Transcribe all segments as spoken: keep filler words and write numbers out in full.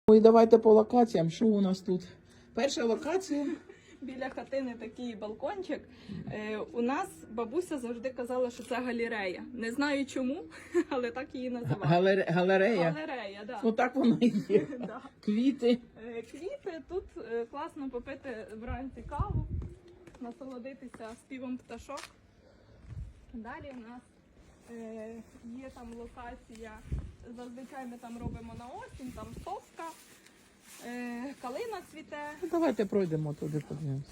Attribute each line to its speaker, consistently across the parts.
Speaker 1: Ой, давайте по локаціям. Що у нас тут? Перша локація.
Speaker 2: Біля хатини такий балкончик. Е, у нас бабуся завжди казала, що це галерея. Не знаю чому, але так її називали.
Speaker 1: Галере... Галерея.
Speaker 2: Галерея, да.
Speaker 1: Ну так воно і є.
Speaker 2: Да.
Speaker 1: Квіти.
Speaker 2: Е, Квіти, тут е, класно попити вранці каву, насолодитися співом пташок. Далі у нас е, є там локація, зазвичай ми там робимо на осінь, там совка, е, калина цвіте.
Speaker 1: Ну, давайте пройдемо туди, подивимося.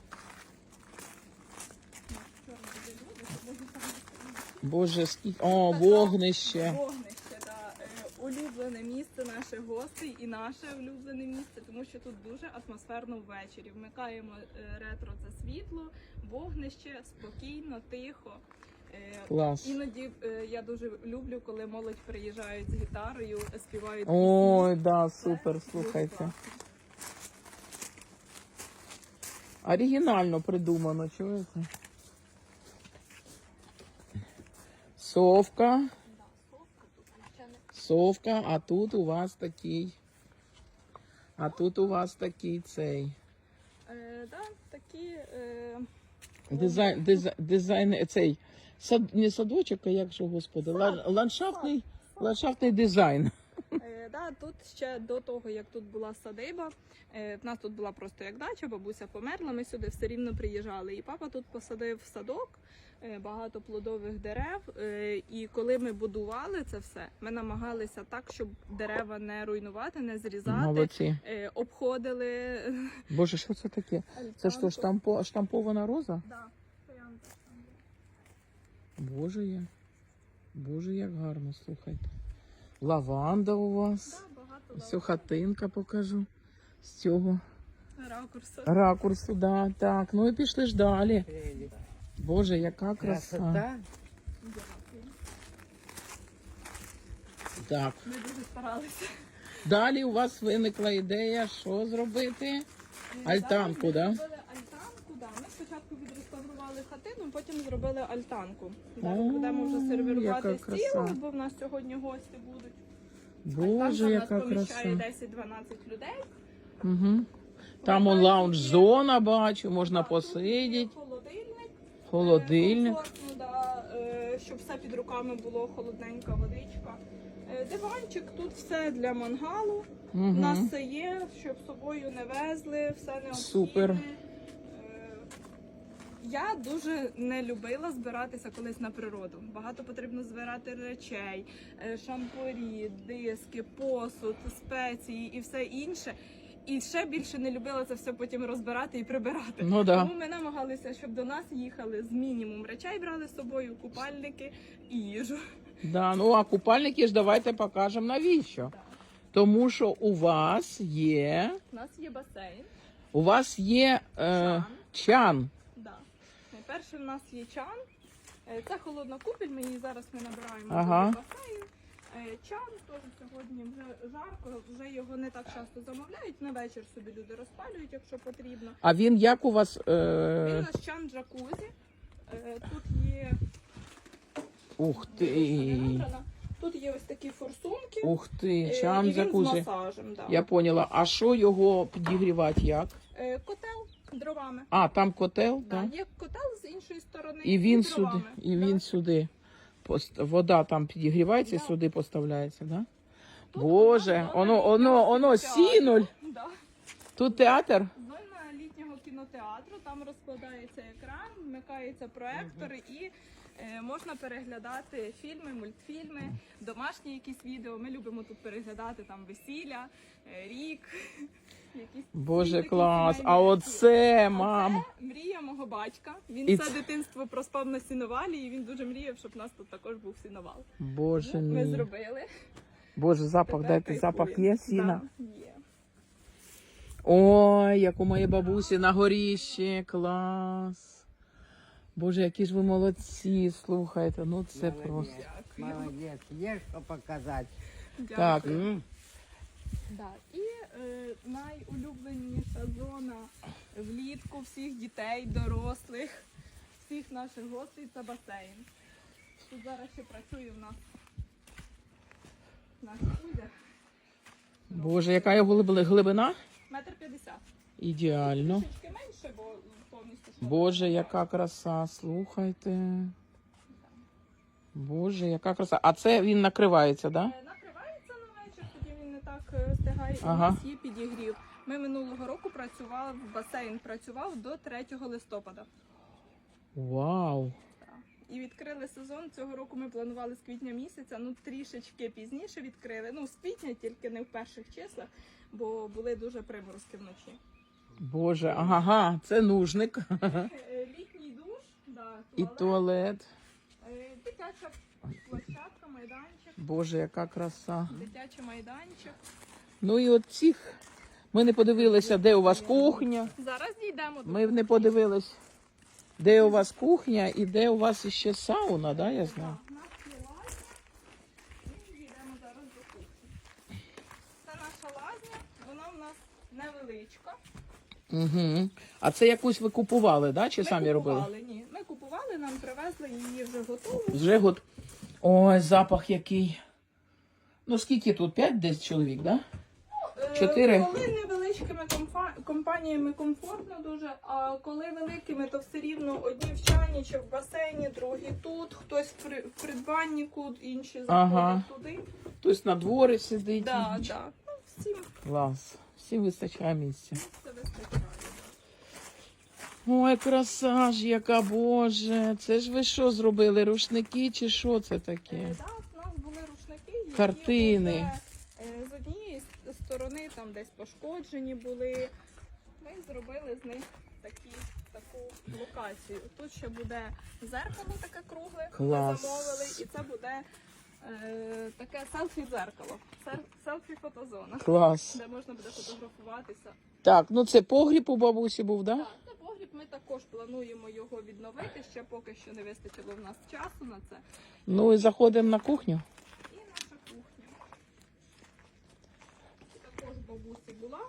Speaker 1: Боже, скільки. О, вогнище.
Speaker 2: Вогнище, да. Е, улюблене місце наших гостей і наше улюблене місце, тому що тут дуже атмосферно ввечері. Вмикаємо е, ретро це світло, вогнище, спокійно, тихо. Е,
Speaker 1: Клас.
Speaker 2: Іноді е, я дуже люблю, коли молодь приїжджають з гітарою, співають
Speaker 1: Ой,
Speaker 2: пісні.
Speaker 1: да,
Speaker 2: Це
Speaker 1: супер,
Speaker 2: дуже
Speaker 1: слухайте.
Speaker 2: класно.
Speaker 1: Оригінально придумано, чуєте? Совка.
Speaker 2: Да, совка тут ще не
Speaker 1: Совка, а тут у вас такий. А тут у вас такий цей.
Speaker 2: Е, да, такі е,
Speaker 1: Дизайн, дизайн, дизайн цей. Сад, не садочок, а як же, господи, ла- ландшафтний, ландшафтний дизайн.
Speaker 2: Е, да, тут ще до того, як тут була садиба, е, в нас тут була просто як дача, бабуся померла, ми сюди все рівно приїжджали. І папа тут посадив садок, е, багато плодових дерев. Е, і коли ми будували це все, ми намагалися так, щоб дерева не руйнувати, не зрізати.
Speaker 1: Молодці.
Speaker 2: Е, обходили.
Speaker 1: Боже, що це таке? Це що, штампо, штампована роза?
Speaker 2: Да, троянда там є.
Speaker 1: Боже я. Боже, як гарно, слухайте. Лаванда у вас.
Speaker 2: Да, багато
Speaker 1: Всю хатинка покажу. З цього
Speaker 2: ракурсу.
Speaker 1: ракурсу, да, так. Ну і пішли ж далі. Боже, яка краса.
Speaker 3: Красота.
Speaker 2: Дякую.
Speaker 1: Так.
Speaker 2: Ми дуже старалися.
Speaker 1: Далі у вас виникла ідея, що зробити? Альтанку,
Speaker 2: Ми
Speaker 1: да?
Speaker 2: зробили альтанку, да. Ми спочатку відреставрували хатину, потім зробили альтанку.
Speaker 1: О,
Speaker 2: Зараз будемо вже сервірувати
Speaker 1: яка
Speaker 2: стіл,
Speaker 1: краса.
Speaker 2: бо в нас сьогодні гості будуть.
Speaker 1: Боже,
Speaker 2: Альтанка
Speaker 1: яка
Speaker 2: в нас поміщає
Speaker 1: краса.
Speaker 2: десять-дванадцять людей.
Speaker 1: Угу. Там он лаунж-зона, бачу, можна
Speaker 2: Так, тут є
Speaker 1: посидіти.
Speaker 2: Холодильник.
Speaker 1: Холодильник.
Speaker 2: Е, комфортно, да, е, щоб все під руками було, холодненька водичка. Е, Диванчик, тут все для мангалу. У нас
Speaker 1: Угу.
Speaker 2: все є, щоб з собою не везли, все необхідне.
Speaker 1: Супер.
Speaker 2: Е, Я дуже не любила збиратися колись на природу. Багато потрібно збирати речей, е, шампурі, диски, посуд, спеції і все інше. І ще більше не любила це все потім розбирати і прибирати.
Speaker 1: Ну да.
Speaker 2: Тому ми намагалися, щоб до нас їхали з мінімум речей, брали з собою купальники і їжу.
Speaker 1: Да, ну а купальники ж давайте покажемо навіщо.
Speaker 2: Так.
Speaker 1: Тому що у вас є,
Speaker 2: У нас є басейн.
Speaker 1: у вас є е,
Speaker 2: Чан.
Speaker 1: чан.
Speaker 2: Да. Найперше в нас є чан. Е, Це холодна купіль, ми її зараз ми набираємо
Speaker 1: Ага.
Speaker 2: в басейн. Е, Чан теж сьогодні вже жарко, вже його не так часто замовляють. На вечір собі люди розпалюють, якщо потрібно.
Speaker 1: А він як у вас?
Speaker 2: Він у
Speaker 1: Е...
Speaker 2: нас чан джакузі. Е, Тут є
Speaker 1: Ух
Speaker 2: не
Speaker 1: ти.
Speaker 2: набрана. Тут є ось такі форсунки.
Speaker 1: Ух ти,
Speaker 2: Е,
Speaker 1: чан
Speaker 2: і він з
Speaker 1: джакузі.
Speaker 2: масажем. Да.
Speaker 1: Я поняла. А що його підігрівати як?
Speaker 2: Е, Котел дровами.
Speaker 1: А, там котел,
Speaker 2: Да,
Speaker 1: так?
Speaker 2: є котел з іншої сторони.
Speaker 1: І він
Speaker 2: дровами.
Speaker 1: сюди, і
Speaker 2: Да.
Speaker 1: він сюди. Пост- Вода там підігрівається і
Speaker 2: Да.
Speaker 1: сюди поставляється, да?
Speaker 2: Тут
Speaker 1: Боже,
Speaker 2: у нас
Speaker 1: оно,
Speaker 2: зона
Speaker 1: оно,
Speaker 2: літнього
Speaker 1: оно,
Speaker 2: кінотеатру.
Speaker 1: сінуль.
Speaker 2: Да.
Speaker 1: Тут театр?
Speaker 2: Зона літнього кінотеатру, там розкладається екран, вмикаються проектори і е, можна переглядати фільми, мультфільми, домашні якісь відео. Ми любимо тут переглядати там весілля, е, рік. Якісь
Speaker 1: Боже,
Speaker 2: такі
Speaker 1: клас.
Speaker 2: сімейні
Speaker 1: А
Speaker 2: речі.
Speaker 1: оце,
Speaker 2: А
Speaker 1: мам.
Speaker 2: це мрія мого батька. Він
Speaker 1: І
Speaker 2: все
Speaker 1: це-
Speaker 2: дитинство проспав на сіновалі, і він дуже мріяв, щоб у нас тут також був сіновал.
Speaker 1: Боже
Speaker 2: Ну, ми
Speaker 1: мій.
Speaker 2: зробили.
Speaker 1: Боже, запах,
Speaker 2: Тепер
Speaker 1: дайте,
Speaker 2: кайфуємо.
Speaker 1: запах є сіна?
Speaker 2: Да, є.
Speaker 1: Ой, як у моєї бабусі на горіщі, клас. Боже, які ж ви молодці, слухайте, ну це просто.
Speaker 2: Дякую.
Speaker 3: Молодец. Есть что показать.
Speaker 1: Так,
Speaker 2: Дякую.
Speaker 3: М?
Speaker 2: Да. І е, найулюбленіша зона влітку всіх дітей, дорослих, всіх наших гостей це басейн. Тут зараз ще працює в нас наш Кузя.
Speaker 1: Боже, яка його глиб- глибина?
Speaker 2: Метр п'ятдесят.
Speaker 1: Ідеально.
Speaker 2: Трішечки менше, бо повністю шпалера.
Speaker 1: Боже, яка краса, слухайте. Боже, яка краса. А це він накривається, так? Да?
Speaker 2: Е, Накривається на вечір, тоді він не так е, стигає. І
Speaker 1: Ага.
Speaker 2: у нас є підігрів. Ми минулого року працювали, басейн працював до третього листопада.
Speaker 1: Вау.
Speaker 2: Так. І відкрили сезон. Цього року ми планували з квітня місяця, ну трішечки пізніше відкрили. Ну, з квітня, тільки не в перших числах, бо були дуже приморозки вночі.
Speaker 1: Боже, ага, це нужник.
Speaker 2: Е, Літній душ, да,
Speaker 1: І
Speaker 2: туалет,
Speaker 1: туалет.
Speaker 2: е, дитяча площадка, майданчик,
Speaker 1: Боже, яка краса.
Speaker 2: дитячий майданчик.
Speaker 1: Ну і от цих. Ми не подивилися, де у вас кухня.
Speaker 2: Зараз дійдемо до
Speaker 1: Ми не подивились, де у вас кухня і де у вас ще сауна, да, я знаю?
Speaker 2: Так, у нас є лазня, і йдемо зараз до кухні. Це наша лазня, вона в нас невеличка.
Speaker 1: Угу. А це якусь ви купували, да? Чи
Speaker 2: Ми
Speaker 1: самі робили?
Speaker 2: купували, ні. Ми купували, нам привезли її вже готову.
Speaker 1: Вже год. Ой, запах який. Ну скільки тут? П'ять десь чоловік, да?
Speaker 2: Е,
Speaker 1: Чотири?
Speaker 2: Коли невеличкими комфа- компаніями комфортно дуже, а коли великими, то все рівно одні в чайні чи в басейні, другі тут, хтось в при- в придбаннику, інші заходять
Speaker 1: Ага.
Speaker 2: туди.
Speaker 1: Хтось на дворі сидить.
Speaker 2: Да, да. Ну, всім
Speaker 1: Клас. Всім вистачає місця.
Speaker 2: це вистачає.
Speaker 1: Ой, краса ж, яка, Боже. Це ж ви що зробили? Рушники чи що це таке?
Speaker 2: Е, да, у нас були рушники, які
Speaker 1: Картини.
Speaker 2: вже, е, з однієї с- сторони там десь пошкоджені були. Ми зробили з них такі, таку локацію. Тут ще буде зеркало таке кругле,
Speaker 1: Клас.
Speaker 2: ми замовили, і це буде е, таке селфі-дзеркало, Сер- селфі-фотозона,
Speaker 1: Клас.
Speaker 2: де можна буде фотографуватися.
Speaker 1: Так, ну це погріб у бабусі був, да?
Speaker 2: Так, це погріб, ми також плануємо його відновити, ще поки що не вистачило в нас часу на це.
Speaker 1: Ну і заходимо на кухню.
Speaker 2: І наша кухня. Також бабусі була.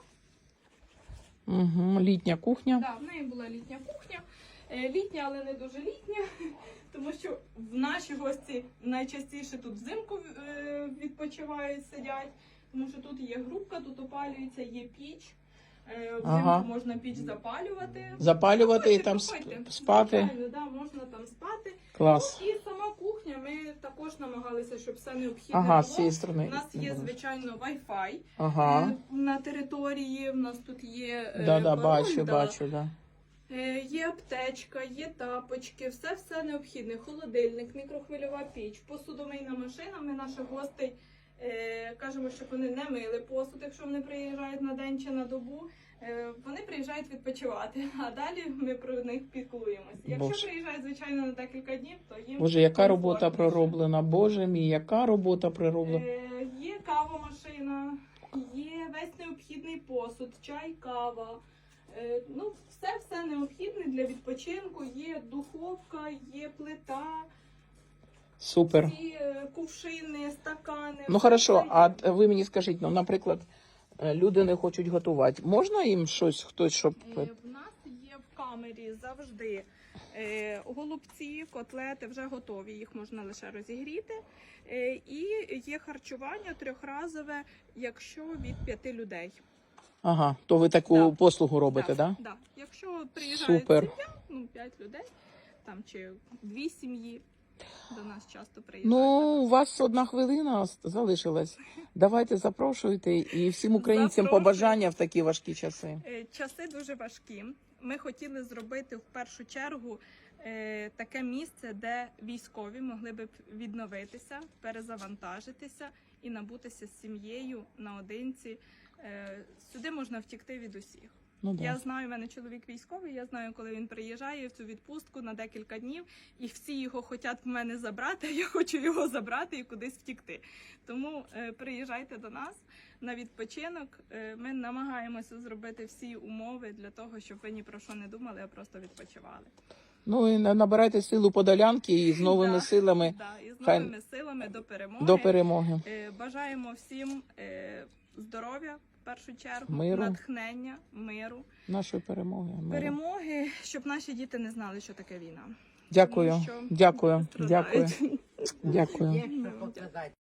Speaker 1: Угу. Літня кухня.
Speaker 2: Так, в неї була літня кухня. Е, Літня, але не дуже літня, тому що в наші гості найчастіше тут взимку е, відпочивають, сидять, тому що тут є грубка, тут опалюється, є піч. Е, Взимку
Speaker 1: Ага.
Speaker 2: можна піч запалювати.
Speaker 1: Запалювати і
Speaker 2: Проходьте,
Speaker 1: там
Speaker 2: проходьте.
Speaker 1: сп- спати.
Speaker 2: Звичайно, да, можна там спати.
Speaker 1: Клас.
Speaker 2: Ну, і сама кухня, ми також намагалися, щоб все необхідне
Speaker 1: Ага, з
Speaker 2: було.
Speaker 1: цієї сторони.
Speaker 2: У нас є, звичайно, Wi-Fi
Speaker 1: Ага.
Speaker 2: е, на території. У нас тут є е,
Speaker 1: Да, да,
Speaker 2: пароль,
Speaker 1: бачу,
Speaker 2: да.
Speaker 1: бачу, да.
Speaker 2: Е, Є аптечка, є тапочки, все все необхідне. Холодильник, мікрохвильова піч, посудомийна машина. Ми наших гостей е, кажемо, щоб вони не мили посуд, якщо вони приїжджають на день чи на добу. Е, вони приїжджають відпочивати, а далі ми про них піклуємося. Якщо
Speaker 1: Боже.
Speaker 2: приїжджають, звичайно, на декілька днів, то їм
Speaker 1: Боже, яка робота
Speaker 2: комфортніше.
Speaker 1: пророблена. Боже мій, яка робота пророблена.
Speaker 2: Е, Є кавомашина, є весь необхідний посуд, чай, кава. Е, Ну, все все необхідне для відпочинку. Є духовка, є плита,
Speaker 1: Супер.
Speaker 2: ці е, кувшини, стакани.
Speaker 1: Ну
Speaker 2: все
Speaker 1: хорошо,
Speaker 2: це є.
Speaker 1: а т- ви мені скажіть, ну, наприклад, е, люди не хочуть готувати. Можна їм щось, хтось, щоб.
Speaker 2: Е, В нас є в камері завжди е, голубці, котлети вже готові, їх можна лише розігріти. Е, І є харчування трьохразове, якщо від п'яти людей.
Speaker 1: Ага, то ви таку
Speaker 2: Да.
Speaker 1: послугу робите, так? Да?
Speaker 2: Да. Якщо приїжджає
Speaker 1: Супер.
Speaker 2: сім'я, ну п'ять людей, там чи дві сім'ї до нас часто приїжджають.
Speaker 1: Ну, у вас одна хвилина ос- залишилась. Давайте запрошуйте і всім українцям
Speaker 2: Запрошую.
Speaker 1: побажання в такі важкі часи.
Speaker 2: Е, Часи дуже важкі. Ми хотіли зробити в першу чергу е, таке місце, де військові могли б відновитися, перезавантажитися і набутися з сім'єю наодинці. Е, Сюди можна втікти від усіх.
Speaker 1: Ну, да.
Speaker 2: Я знаю, в мене чоловік військовий, я знаю, коли він приїжджає в цю відпустку на декілька днів, і всі його хочуть в мене забрати, а я хочу його забрати і кудись втікти. Тому е, приїжджайте до нас на відпочинок. Е, ми намагаємося зробити всі умови для того, щоб ви ні про що не думали, а просто відпочивали.
Speaker 1: Ну і на- набирайте силу подолянки і з новими
Speaker 2: Да,
Speaker 1: силами
Speaker 2: да, і з
Speaker 1: хай-
Speaker 2: новими силами до перемоги.
Speaker 1: до перемоги.
Speaker 2: Е, Бажаємо всім е, здоров'я в першу чергу,
Speaker 1: Миру.
Speaker 2: натхнення, миру.
Speaker 1: Нашої перемоги. миру.
Speaker 2: Перемоги, щоб наші діти не знали, що таке війна.
Speaker 1: Дякую,
Speaker 2: Тому що
Speaker 1: дякую,
Speaker 2: страдають.
Speaker 1: дякую, дякую.
Speaker 3: Є що показати.